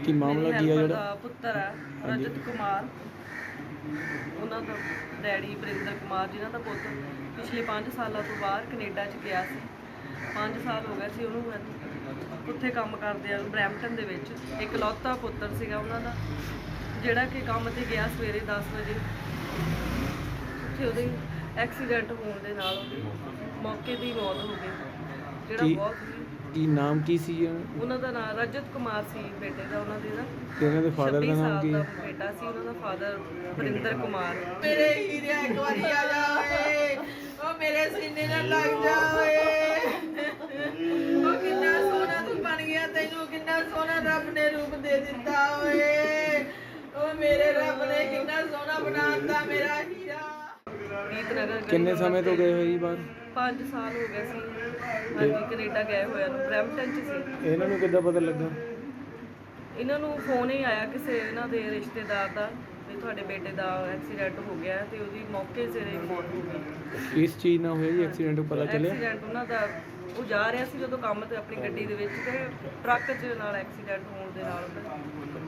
ਕੀ ਮਾਮਲਾ ਕੀ ਹੈ ਜਿਹੜਾ ਪੁੱਤਰ ਹੈ ਰਜਤ ਕੁਮਾਰ, ਉਹਨਾਂ ਦਾ ਡੈਡੀ ਵਰਿੰਦਰ ਕੁਮਾਰ ਜਿਨ੍ਹਾਂ ਦਾ ਪੁੱਤ ਪਿਛਲੇ 5 ਸਾਲਾਂ ਤੋਂ ਬਾਹਰ ਕੈਨੇਡਾ 'ਚ ਗਿਆ ਸੀ। 5 ਸਾਲ ਹੋ ਗਏ ਸੀ ਉਹਨੂੰ ਉੱਥੇ ਕੰਮ ਕਰਦੇ ਆ ਬਰੈਂਪਟਨ ਦੇ ਵਿੱਚ। ਇਕਲੌਤਾ ਪੁੱਤਰ ਸੀਗਾ ਉਹਨਾਂ ਦਾ, ਜਿਹੜਾ ਕਿ ਕੰਮ ਤੇ ਗਿਆ ਸਵੇਰੇ 10 ਵਜੇ। ਉੱਥੇ ਉਹਦੇ ਐਕਸੀਡੈਂਟ ਹੋਣ ਦੇ ਨਾਲ ਉਹਦੀ ਮੌਕੇ ਦੀ ਮੌਤ ਹੋ ਗਈ, ਜਿਹੜਾ ਬਹੁਤ ਕੀ ਨਾਮ ਕੀ ਸੀ ਉਹਨਾਂ ਦਾ? ਨਾਮ ਰਜਤ ਕੁਮਾਰ ਸੀ ਬੇਟੇ ਦਾ ਉਹਨਾਂ ਦੇ ਦਾ। ਤੇ ਉਹਨਾਂ ਦੇ ਫਾਦਰ ਦਾ ਨਾਮ ਕੀ ਹੈ? ਬੇਟਾ ਸੀ ਉਹਨਾਂ ਦਾ ਫਾਦਰ ਵਰਿੰਦਰ ਕੁਮਾਰ। ਮੇਰੇ ਹੀਰਿਆ ਇੱਕ ਵਾਰੀ ਆ ਜਾ ਓਏ, ਉਹ ਮੇਰੇ ਸੀਨੇ ਨਾਲ ਲੱਗ ਜਾ ਓਏ। ਉਹ ਕਿੰਨਾ ਸੋਹਣਾ ਤੂੰ ਬਣ ਗਿਆ, ਤੈਨੂੰ ਕਿੰਨਾ ਸੋਹਣਾ ਰੱਬ ਨੇ ਰੂਪ ਦੇ ਦਿੱਤਾ ਓਏ। ਉਹ ਮੇਰੇ ਰੱਬ ਨੇ ਕਿੰਨਾ ਸੋਹਣਾ ਬਣਾਤਾ ਮੇਰਾ ਹੀਰਾ। ਰੀਤਨਗਰ ਕਿੰਨੇ ਸਮੇਂ ਤੋਂ ਗਏ ਹੋਏ ਜੀ ਬਾਹਰ? 5 ਸਾਲ ਹੋ ਗਏ ਸੀ ਹਾਂਜੀ, ਕੈਨੇਡਾ ਗਏ ਹੋਇਆ ਨੂੰ। ਬਰੈਂਪਟਨ 'ਚ ਸੀ। ਇਹਨਾਂ ਨੂੰ ਕਿੱਦਾਂ ਪਤਾ ਲੱਗਾ? ਇਹਨਾਂ ਨੂੰ ਫੋਨ ਹੀ ਆਇਆ ਕਿਸੇ ਇਹਨਾਂ ਦੇ ਰਿਸ਼ਤੇਦਾਰ ਦਾ ਵੀ ਤੁਹਾਡੇ ਬੇਟੇ ਦਾ ਐਕਸੀਡੈਂਟ ਹੋ ਗਿਆ ਤੇ ਉਹਦੀ ਮੌਕੇ ਸਿਰ ਹੀ ਮੌਤ ਹੋ ਗਈ। ਇਸ ਚੀਜ਼ ਨਾਲ ਹੋਇਆ ਜੀ ਐਕਸੀਡੈਂਟ ਪਤਾ ਚੱਲਿਆ? ਐਕਸੀਡੈਂਟ ਉਹਨਾਂ ਦਾ, ਉਹ ਜਾ ਰਿਹਾ ਸੀ ਜਦੋਂ ਕੰਮ ਤੇ ਆਪਣੀ ਗੱਡੀ ਦੇ ਵਿੱਚ, ਤੇ ਟਰੱਕ 'ਚ ਨਾਲ ਐਕਸੀਡੈਂਟ ਹੋਣ ਦੇ ਨਾਲ